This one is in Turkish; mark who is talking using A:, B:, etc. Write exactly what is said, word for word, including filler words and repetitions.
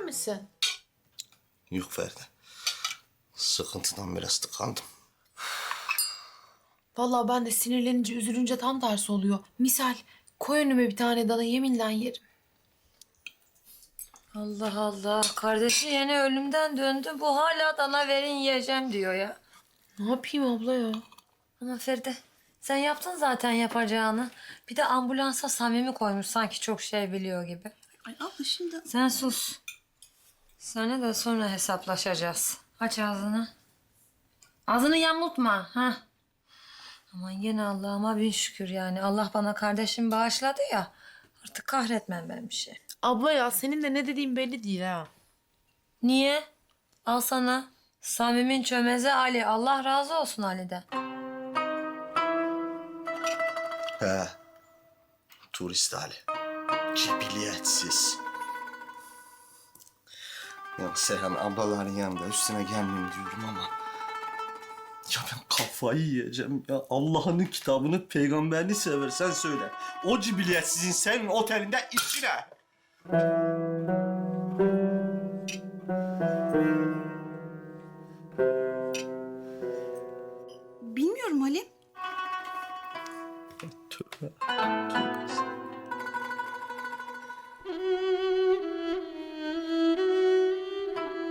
A: misin?
B: Yok Feride. Sıkıntıdan biraz tıkandım.
A: Vallahi ben de sinirlenince, üzülünce tam tersi oluyor. Misal koy önüme bir tane dana, yeminle yerim.
C: Allah Allah. Kardeşi yeni ölümden döndü. Bu hala dana verin yiyeceğim diyor ya.
A: Ne yapayım abla ya?
C: Ama Feride sen yaptın zaten yapacağını. Bir de ambulansa Samimi koymuş sanki çok şey biliyor gibi.
D: Ay abla şimdi...
C: Sen sus. Seninle de sonra hesaplaşacağız. Aç ağzını. Ağzını yamultma. Ha. Aman yine Allah'ıma bin şükür yani. Allah bana kardeşim bağışladı ya. Artık kahretmem ben bir şey.
A: Abla ya senin de ne dediğin belli değil ha.
C: Niye? Al sana. Samim'in çömezi Ali. Allah razı olsun Ali'den.
B: He. Turist hali. Cibiliyetsiz. Ya Seyhan ablaların yanında üstüne gelmeyeyim diyorum ama... Ya ben kafayı yiyeceğim ya. Allah'ın kitabını, peygamberini seversen söyle. O cibiliyetsizin senin otelinde işi ne?
D: Bilmiyorum Halim.
B: Tövbe. Tövbe.